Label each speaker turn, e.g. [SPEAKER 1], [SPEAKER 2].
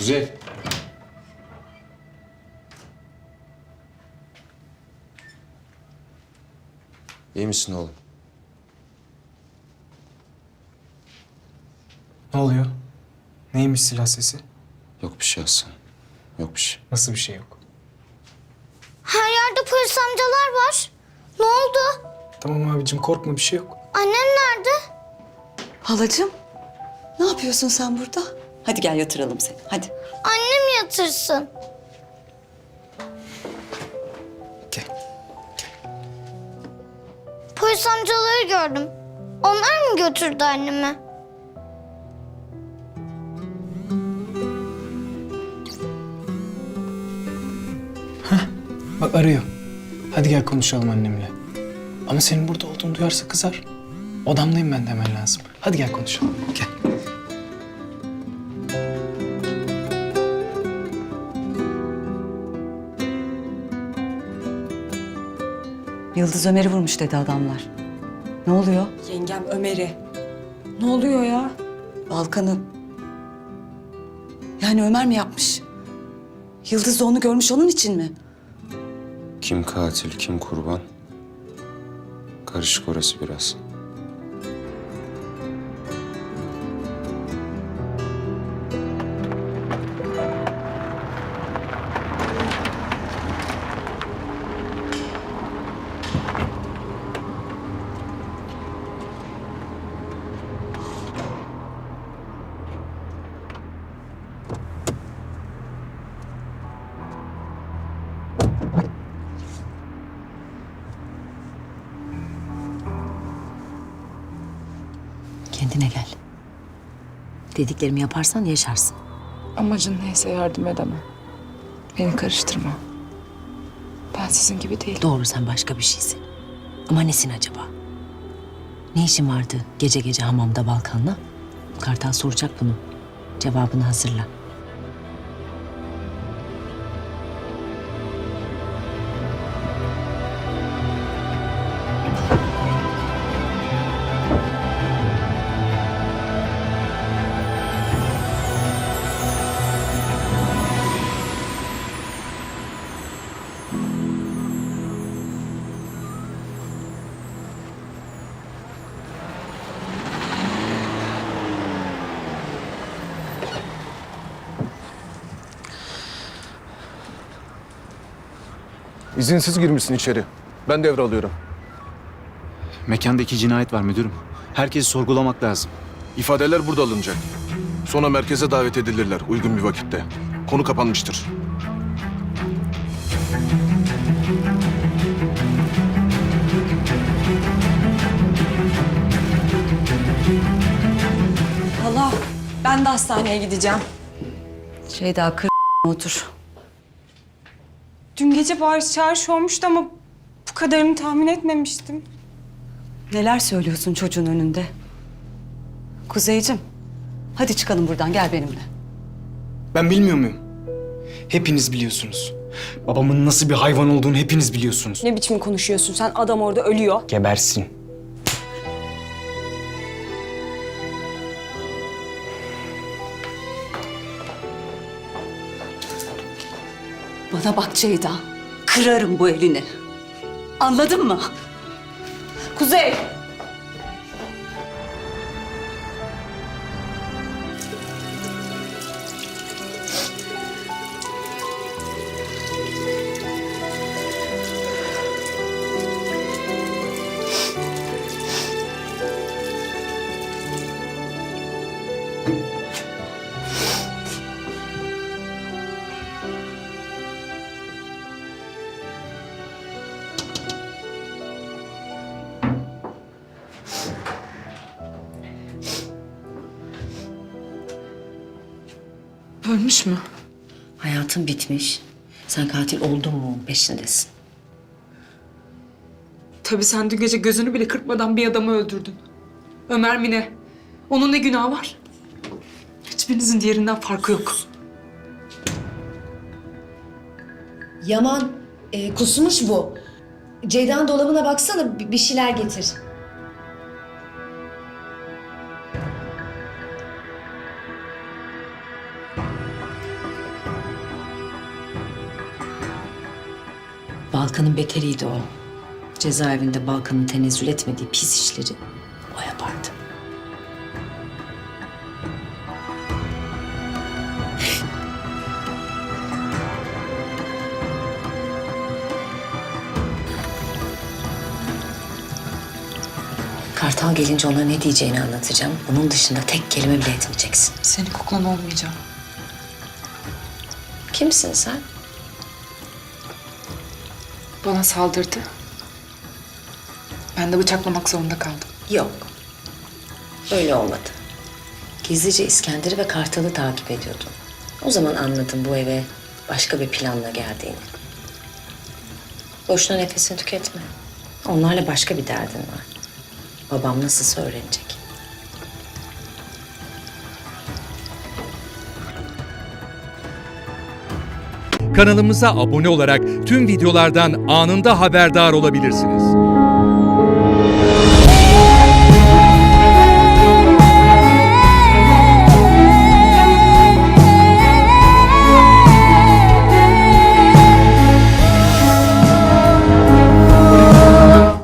[SPEAKER 1] Kuzey. İyi misin oğlum?
[SPEAKER 2] Ne oluyor? Neymiş silah sesi?
[SPEAKER 1] Yok bir şey Hasan. Yok bir şey.
[SPEAKER 2] Nasıl bir şey yok?
[SPEAKER 3] Her yerde polis amcalar var. Ne oldu?
[SPEAKER 2] Tamam abicim korkma bir şey yok.
[SPEAKER 3] Annem nerede?
[SPEAKER 4] Halacığım, ne yapıyorsun sen burada? Hadi gel yatıralım seni, hadi.
[SPEAKER 3] Annem yatırsın.
[SPEAKER 2] Gel.
[SPEAKER 3] Polis amcaları gördüm. Onlar mı götürdü annemi?
[SPEAKER 2] Bak arıyor. Hadi gel konuşalım annemle. Ama senin burada olduğunu duyarsa kızar. Odamdayım ben de hemen lazım. Hadi gel konuşalım. Gel.
[SPEAKER 4] Yıldız Ömer'i vurmuş dedi adamlar. Ne oluyor?
[SPEAKER 5] Yengem Ömer'i. Ne oluyor ya?
[SPEAKER 4] Balkan'ı... Yani Ömer mi yapmış? Yıldız da onu görmüş onun için mi?
[SPEAKER 1] Kim katil, kim kurban? Karışık orası biraz.
[SPEAKER 6] Kendine gel. Dediklerimi yaparsan yaşarsın.
[SPEAKER 5] Amacın neyse yardım edemem. Beni karıştırma. Ben sizin gibi değilim.
[SPEAKER 6] Doğru sen başka bir şeysin. Ama nesin acaba? Ne işin vardı gece gece hamamda Balkan'la? Kartal soracak bunu. Cevabını hazırla.
[SPEAKER 7] İzinsiz girmişsin içeri. Ben devralıyorum.
[SPEAKER 8] Mekanda 2 cinayet var müdürüm. Herkesi sorgulamak lazım.
[SPEAKER 7] İfadeler burada alınacak. Sonra merkeze davet edilirler uygun bir vakitte. Konu kapanmıştır.
[SPEAKER 5] Allah, ben de hastaneye gideceğim.
[SPEAKER 4] Şeyda otur.
[SPEAKER 5] Dün gece bağırış çağırış olmuştu ama bu kadarını tahmin etmemiştim.
[SPEAKER 4] Neler söylüyorsun çocuğun önünde? Kuzeyciğim, hadi çıkalım buradan gel benimle.
[SPEAKER 2] Ben bilmiyor muyum? Hepiniz biliyorsunuz. Babamın nasıl bir hayvan olduğunu hepiniz biliyorsunuz.
[SPEAKER 5] Ne biçim konuşuyorsun sen? Adam orada ölüyor.
[SPEAKER 2] Gebersin.
[SPEAKER 4] Bana bak Ceyda, kırarım bu elini. Anladın mı? Kuzey!
[SPEAKER 5] Ölmüş mü?
[SPEAKER 6] Hayatın bitmiş. Sen katil oldun mu peşindesin.
[SPEAKER 5] Tabii sen dün gece gözünü bile kırpmadan bir adamı öldürdün. Ömer mi ne? Onun ne günahı var? Hiçbirinizin diğerinden farkı yok.
[SPEAKER 9] Yaman, kusmuş bu. Ceyda'nın dolabına baksana, bir şeyler getir.
[SPEAKER 6] Balkan'ın beteriydi o. Cezaevinde Balkan'ın tenezzül etmediği pis işleri o yapardı. Kartal gelince ona ne diyeceğini anlatacağım. Bunun dışında tek kelime bile etmeyeceksin.
[SPEAKER 5] Senin kuklan olmayacağım.
[SPEAKER 6] Kimsin sen?
[SPEAKER 5] Bana saldırdı. Ben de bıçaklamak zorunda kaldım.
[SPEAKER 6] Yok. Öyle olmadı. Gizlice İskender'i ve Kartal'ı takip ediyordum. O zaman anladım bu eve başka bir planla geldiğini. Boşuna nefesini tüketme. Onlarla başka bir derdin var. Babam nasılsa öğrenecek.
[SPEAKER 10] Kanalımıza abone olarak tüm videolardan anında haberdar olabilirsiniz.